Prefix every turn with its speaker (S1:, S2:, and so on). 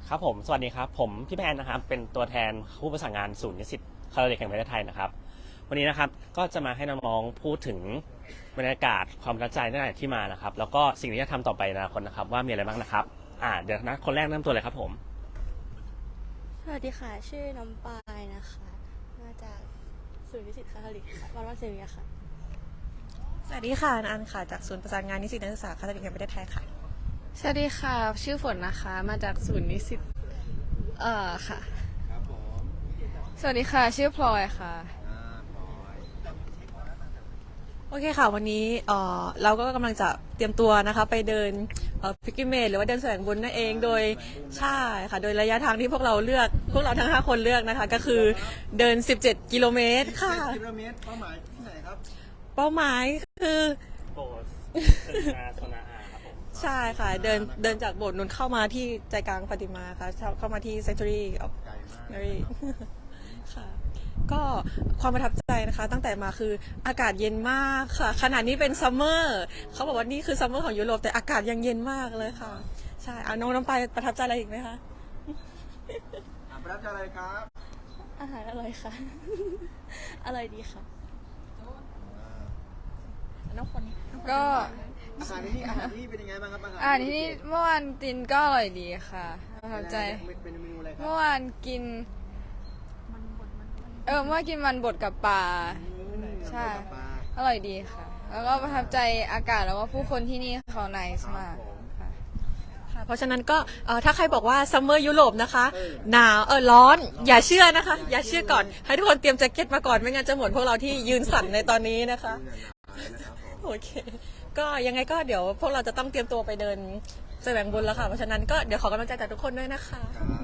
S1: ครับผมสวัสดีครับผมพี่แพนนะครับเป็นตัวแทนผู้ประสานงานศูนย์นิสิตคาทอลิกแห่งประเทศไทยนะครับวันนี้นะครับก็จะมาให้น้องๆพูดถึงบรรยากาศความประทับใจตั้งแต่ที่มานะครับแล้วก็สิ่งที่จะทำต่อไปในอนาคตนะครับว่ามีอะไรบ้างนะครับเดี๋ยวนะคนแรกเริ่มตัวเลยครับผม
S2: สวัสดีค่ะชื่อน้ำปายนะคะมาจากศูนย์นิสิตคาทอลิกค่ะวัดวัดเซเวียค่ะ
S3: สวัสดีค่ะอันค่ะจากศูนย์ประสานงานนิสิตนักศึกษาคาทอลิกแห่งประเทศไทยค่ะ
S4: สวัสดีค่ะชื่อฝนนะคะมาจากศูนย์นิสิตค่ะ
S5: ครับผม
S4: สวัสดีค่ะชื่อพลอยค่ะ
S5: พลอย
S3: โอเคค่ะวันนี้เราก็กำลังจะเตรียมตัวนะคะไปเดินพิกกิเมตหรือว่าเดินแสวงบุญนั่นเองโดยใช่ค่ะโดยระยะทางที่พวกเราทั้ง5คนเลือกนะคะก็คือเดิน17 กิโลเมตรค่ะ
S5: 17 กิโลเมตรเป้าหมายที่ไหนครับ
S3: เป้าหมายคือ
S1: โบสโซนาครับผม
S3: ใช่ค่ะเดินจากโบสถ์นนเข้ามาที่ใจกลางปฏิมาค่ะเข้ามาที่ Sanctuary of
S5: ไกลมาก
S3: Mary ค่ะก็ความประทับใจนะคะตั้งแต่มาคืออากาศเย็นมากค่ะขนาดนี้เป็นซัมเมอร์เขาบอกว่านี่คือซัมเมอร์ของยุโรปแต่อากาศยังเย็นมากเลยค่ะใช่เอาน้องน้ำไปประทับใจอะไรอีกไหมคะ
S5: ประทับใจอะไรครับ
S2: อาหารอร่อยค่ะ อร่อยดีค่ะ
S3: น้องคนนี้
S4: ก็
S5: อาหารที่นี่เป็นยังไงบ้างครับอาหาร
S4: ที่นี่เมื่อวานกินก็อร่อยดีค่ะประทับใจ
S5: เป็นเมนูอะไรครั
S4: เมื่อวานกินเมื่อวานกินมันบดกับปลาใช่อร่อยดีค่ะ แล้วก็ประทับใจอากาศแล้วก็ผู้คนที่นี่เขาไนส์มากค่ะ
S3: ค่ะเพราะฉะนั้นก็ถ้าใครบอกว่าซัมเมอร์ยุโรปนะคะหนาวร้อนอย่าเชื่อนะคะอย่าเชื่อก่อนให้ทุกคนเตรียมแจ็คเก็ตมาก่อนไม่งั้นจะเหมือนพวกเราที่ยืนสั่นในตอนนี้นะคะโอเคก็ยังไงก็เดี๋ยวพวกเราจะต้องเตรียมตัวไปเดินแสวงบุญแล้วค่ะเพราะฉะนั้นก็เดี๋ยวขอกำลังใจจากทุกคนด้วยนะคะ